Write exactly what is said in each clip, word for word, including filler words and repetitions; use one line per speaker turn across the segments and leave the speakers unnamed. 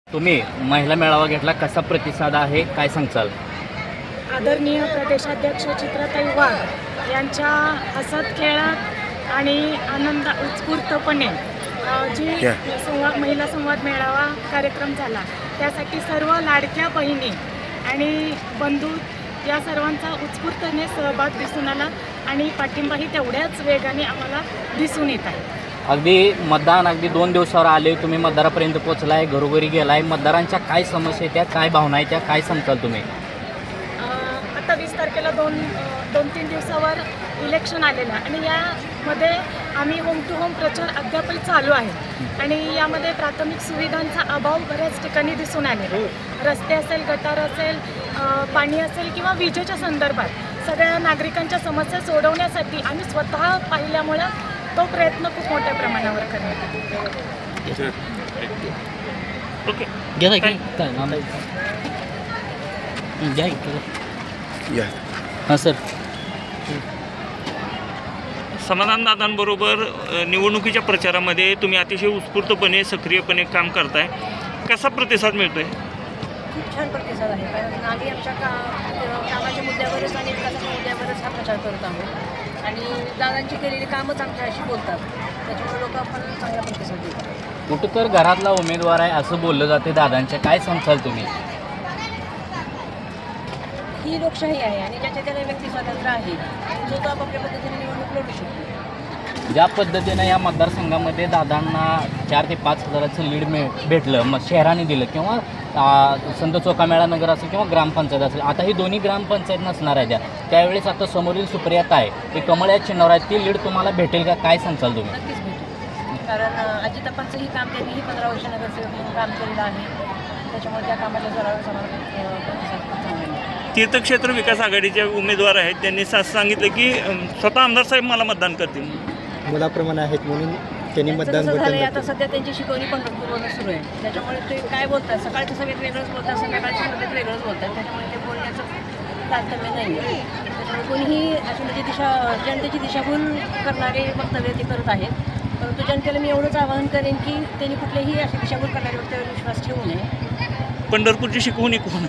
तुम्ही महिला मेळावा घेतला, कसा प्रतिसाद आहे, काय सांगचाल?
आदरणीय प्रदेशाध्यक्ष चित्राताई वाघ यांच्या हसत खेळात आणि आनंद उत्स्फूर्तपणे अ, जी संवाद महिला संवाद मेळावा कार्यक्रम झाला त्यासाठी सर्व लाडक्या बहिणी आणि बंधू या सर्वांचा उत्स्फूर्तपणे सहभाग दिसून आला आणि पाठिंबाही तेवढ्याच वेगाने आम्हाला दिसून येत आहे.
अगदी मतदान अगदी दोन दिवसावर आले, तुम्ही मतदारापर्यंत पोहोचलाय, घरोघरी गेलाय, मतदारांच्या काय समस्या आहेत त्या, काय भावना आहेत त्या, काय सांगताल तुम्ही?
आता वीस तारखेला दोन दोन तीन दिवसावर इलेक्शन आलेलं आहे आणि यामध्ये आम्ही होम टू होम प्रचार अद्यापही चालू आहे आणि यामध्ये प्राथमिक सुविधांचा अभाव बऱ्याच ठिकाणी दिसून आलेला. रस्ते असेल, गटार असेल, पाणी असेल किंवा विजेच्या संदर्भात सगळ्या नागरिकांच्या समस्या सोडवण्यासाठी आम्ही स्वतः पाहिल्यामुळं तो प्रयत्न खूप मोठ्या प्रमाणावर करण्यात
ओके घ्या घ्या हां सर.
समाधानदादांबरोबर निवडणुकीच्या प्रचारामध्ये तुम्ही अतिशय उत्स्फूर्तपणे सक्रियपणे काम करताय, कसा प्रतिसाद मिळतोय?
खूप छान प्रतिसाद आहे, कारण आम्ही आमच्या का कामाच्या मुद्द्यावरच आणि विकासाच्या मुद्द्यावरच हा प्रचार करत आहोत आणि दादांची केलेली कामच आमच्याशी बोलतात, त्याच्यामुळे लोक आपण चांगला प्रतिसाद देतात.
कुठं तर घरातला उमेदवार आहे असं बोललं जाते दादांच्या, काय सांगताल तुम्ही?
ही लोकशाही आहे आणि ज्याच्या त्याला व्यक्ती स्वातंत्र्य आहे आणि जो तो आपापल्या पद्धतीने निवडणूक लढू शकतो.
ज्या पद्धतीनं या मतदारसंघामध्ये दादांना चार ते पाच हजाराचं लीड मिळ भेटलं, मग शहराने दिलं किंवा संत चोखामेळा नगर असेल किंवा ग्रामपंचायत असेल, आता ही दोन्ही ग्रामपंचायत नसणार आहे त्या, त्यावेळेस आता समोरील सुप्रियाता आहे ते कमळ या चिन्हावर आहे, ती लीड तुम्हाला भेटेल का, काय सांगताल तुम्ही?
नक्कीच भेटेल, कारण अजितापांचंही काम त्यांनीही पंधरा वर्ष नगरसेवक म्हणून काम केलेलं आहे, त्याच्यामुळे त्या कामाच्या जोरावर समाधान प्रतिसाद खूप चांगला आहे.
तीर्थक्षेत्र विकास आघाडीचे उमेदवार आहेत, त्यांनी सा सांगितलं की स्वतः आमदार साहेब मला मतदान करतील,
मुलाप्रमाणे आहेत म्हणून त्यांनी मतदान
झालं
बटन
आता सध्या त्यांची शिकवणी पंढरपूरवरून सुरू आहे, त्याच्यामुळे ते काय बोलतात, सकाळच्या सभेत वेगळंच बोलतात, संध्याकाळच्या सभेत वेगळंच बोलतात, त्याच्यामुळे ते बोलण्याचं तारतम्य नाही आहे. त्याच्यामुळे कोणीही अशी म्हणजे दिशा जनतेची दिशाभूल करणारे वक्तव्य ते करत आहेत, परंतु जनतेला मी एवढंच आवाहन करेन की त्यांनी कुठलेही अशी दिशाभूल करणारे वक्तव्यावर विश्वास ठेवू नये.
पंढरपूरची शिकवणी कोण?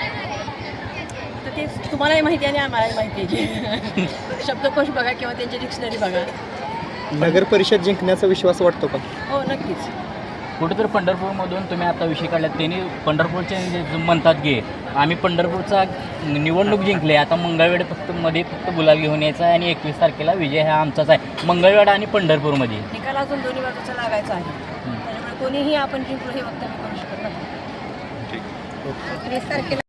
तर ते तुम्हालाही माहिती आहे आणि आम्हालाही माहिती आहे. शब्दकोश बघा किंवा त्यांची डिक्शनरी बघा.
नगर परिषद जिंकण्याचा विश्वास वाटतो का?
हो नक्कीच.
कुठेतरी पंढरपूरमधून तुम्ही आता विषय काढला, त्यांनी पंढरपूरचे जे म्हणतात की आम्ही पंढरपूरचा निवडणूक जिंकले, आता मंगळवेढ फक्त मध्ये फक्त गुलाल घेऊन यायचा आहे आणि एकवीस तारखेला विजय हा आमचाच आहे, मंगळवेढा आणि पंढरपूरमध्ये
निकाल अजून दोन्ही बाजूचा लागायचा आहे, त्याच्यामुळे कोणीही आपण जिंकलो हे वक्तव्य करू शकत नाही. वीस तारखेला